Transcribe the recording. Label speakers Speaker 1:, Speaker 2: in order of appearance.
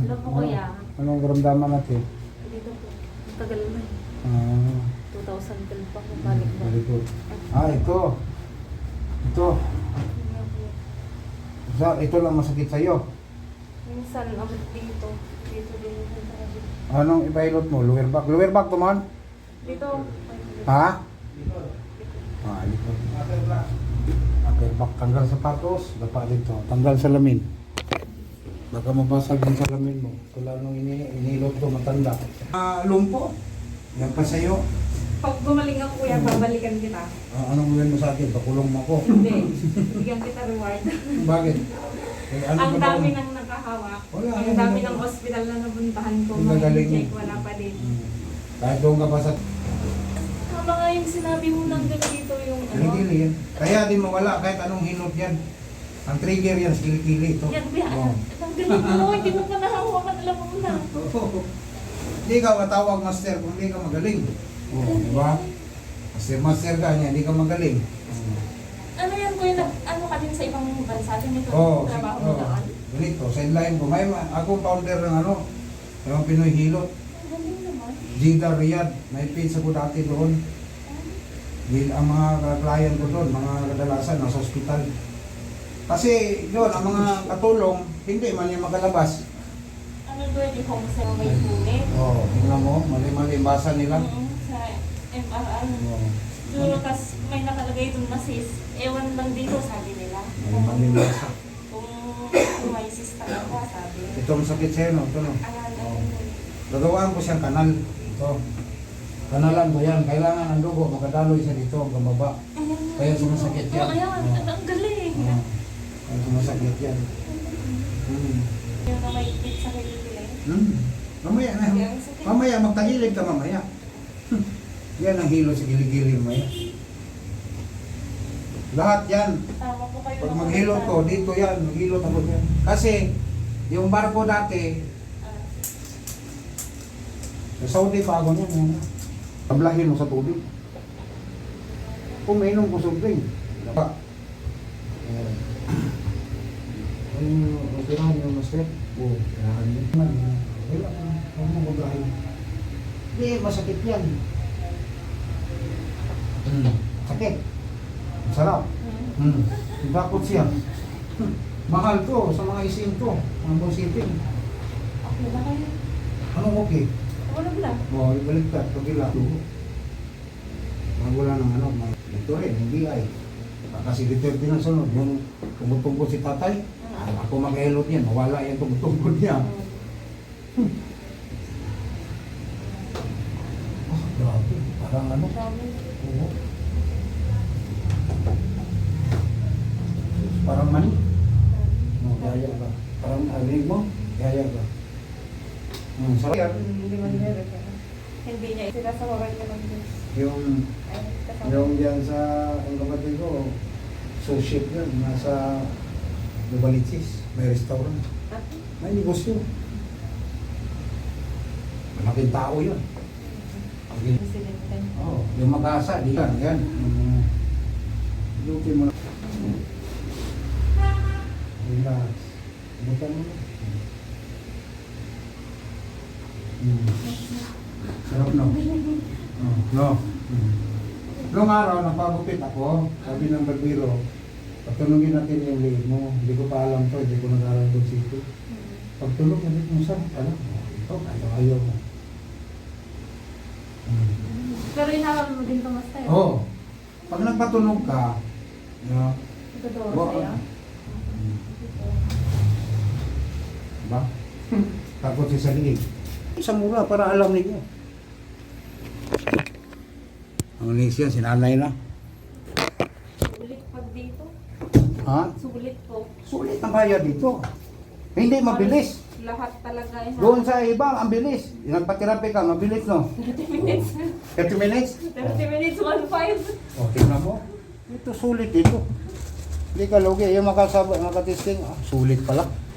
Speaker 1: Hello po kuya.
Speaker 2: Anong karamdaman natin?
Speaker 1: Dito po. Ang tagal na. 2012 pa po balik ba?
Speaker 2: Very good. Ito. Ito. Ito lang masakit sa'yo.
Speaker 1: Minsan, abot dito. Dito din yung tabi.
Speaker 2: Anong ipailot mo? Lower back? Lower back tuman?
Speaker 1: Dito.
Speaker 2: Ha? Likod. Upper back. Tanggal sapatos. Dapa dito. Tanggal salamin. Baka mabasag yung salamin mo. Kula nung inilot ko matanda. Lumpo. Yan pa sa'yo.
Speaker 1: Pag gumaling ako kuya, babalikan kita.
Speaker 2: Anong gawin mo sa akin? Pakulong mo ako.
Speaker 1: Hindi. Bigyan kita reward.
Speaker 2: Bakit?
Speaker 1: Ang dami nang nakahawak.
Speaker 2: Wala,
Speaker 1: Ang dami ng hospital na nabuntahan ko.
Speaker 2: Ang gagaling
Speaker 1: Check,
Speaker 2: mo.
Speaker 1: wala pa din.
Speaker 2: Kahit doon ka pa sa
Speaker 1: Tama nga yung sinabi mo nang ganito yung ano.
Speaker 2: kilikili yan. Kaya di mawala kahit anong hinot yan. Ang trigger yan sa kilikili ito.
Speaker 1: Yan kuya,
Speaker 2: Oo.
Speaker 1: ang galing mo. Hindi mo pa nahahawakan, alam mo na.
Speaker 2: Hindi ka matawag master kung hindi ka magaling. Di ba? Master ka niya, hindi ka magaling.
Speaker 1: Ano yan kuya, ano ka din sa ibang bansa? Ganito trabaho mo
Speaker 2: Oo.
Speaker 1: doon?
Speaker 2: Ganito, sideline ko. Akong founder ng ano, yung Pinoy Hilot.
Speaker 1: Ang galing naman.
Speaker 2: Jeddah, Riyadh. May pins ako dati doon. Ang mga client ko doon, mga kadalasan, nasa ospital. Kasi yun, ang mga katulong, hindi man yung makalabas.
Speaker 1: Ano doon yung home sa may punit?
Speaker 2: Tingnan mo, mali-mali yung basa nila.
Speaker 1: Sa MRI.
Speaker 2: Oo.
Speaker 1: Duro, tas may nakalagay doon na sis. Ewan lang dito, sabi nila.
Speaker 2: Mali-mali yung basa.
Speaker 1: Kung may sis talaga, sabi.
Speaker 2: Ito ang sakit sa'yo, no? Ito, no?
Speaker 1: Ayan,
Speaker 2: Gagawaan ko siyang kanal. Ito. Kanalan ko yan. Kailangan ang dugo, makadaloy siya dito, ang baba. Kaya sumasakit yan.
Speaker 1: Oh, ayan, ang galing.
Speaker 2: Kaya sumasakit yan.
Speaker 1: Yung na may ikit sa kilikili.
Speaker 2: Mamaya na. Mamaya, magtahilid ka mamaya. Yan ang hilo sa giligili mamaya. Lahat yan.
Speaker 1: Tama po kayo.
Speaker 2: Pag maghilot ko, dito yan. Maghilot ako yan. Kasi, yung barko dati, sa Saudi pa ako niyan. Yan. Tablahin mo sa tubig. Uminom ko sobrang. Diba? Operahan yung master. Oo, operahan yun. Wala ka. Huwag mo maglahin. Hindi, masakit yan. Sakit. Sarap. Bakot siya. Mahal to sa mga isim to. Ang busipin.
Speaker 1: Okay na kayo.
Speaker 2: Anong okay?
Speaker 1: Wala ba?
Speaker 2: Ibaliktad. Pagila. Wala ng ano. Ito rin, hindi ay. Kasi dito din ang sunod. Yung tumutungkol si tatay. Ako mag-elot yan. Mawala yan tumutungkol niya. Grabe. Parang ano. Oo. Parang mani. No, yaya ba? Parang alig mo. Yaya ba? Sarap.
Speaker 1: Hindi man meron. Hindi niya. Sila sa waran niya ng Diyos.
Speaker 2: Yung diyan sa ang kapatid ko, associate yun, nasa Lubalitis, may restaurant. May negosyo. Malaking tao yun. Yung mag-asa, di yan, yan. Duty mo na. Relax. Bukan mo na. Sarap no? No. Noong araw, napagupit ako, sabi ng barbero, pagtunugin natin yung leeg mo, hindi ko pa alam to, hindi ko nag-aral doon sito. Pagtulog, sabi ko, saan? Ano? Ito, ayaw mo.
Speaker 1: Pero inawal mo din ito, Master.
Speaker 2: Oo. Pag nagpatunog ka,
Speaker 1: Ituturo sa'yo.
Speaker 2: Diba? Takot siya sa liig. Sa mura, para alam niyo. Ang linis yan, sinanay na.
Speaker 1: Sulit pag dito.
Speaker 2: Ha?
Speaker 1: Sulit po.
Speaker 2: Sulit ang bayad dito. Hindi mabilis.
Speaker 1: Lahat talaga eh.
Speaker 2: Doon sa iba, ang bilis. Nagpatirapi ka, mabilis no?
Speaker 1: 30 minutes.
Speaker 2: 30 minutes?
Speaker 1: 30 minutes, 1.5.
Speaker 2: O, tingnan mo. Ito sulit dito. Hindi ka lugi. Yung makasabay, makatesting, sulit pala.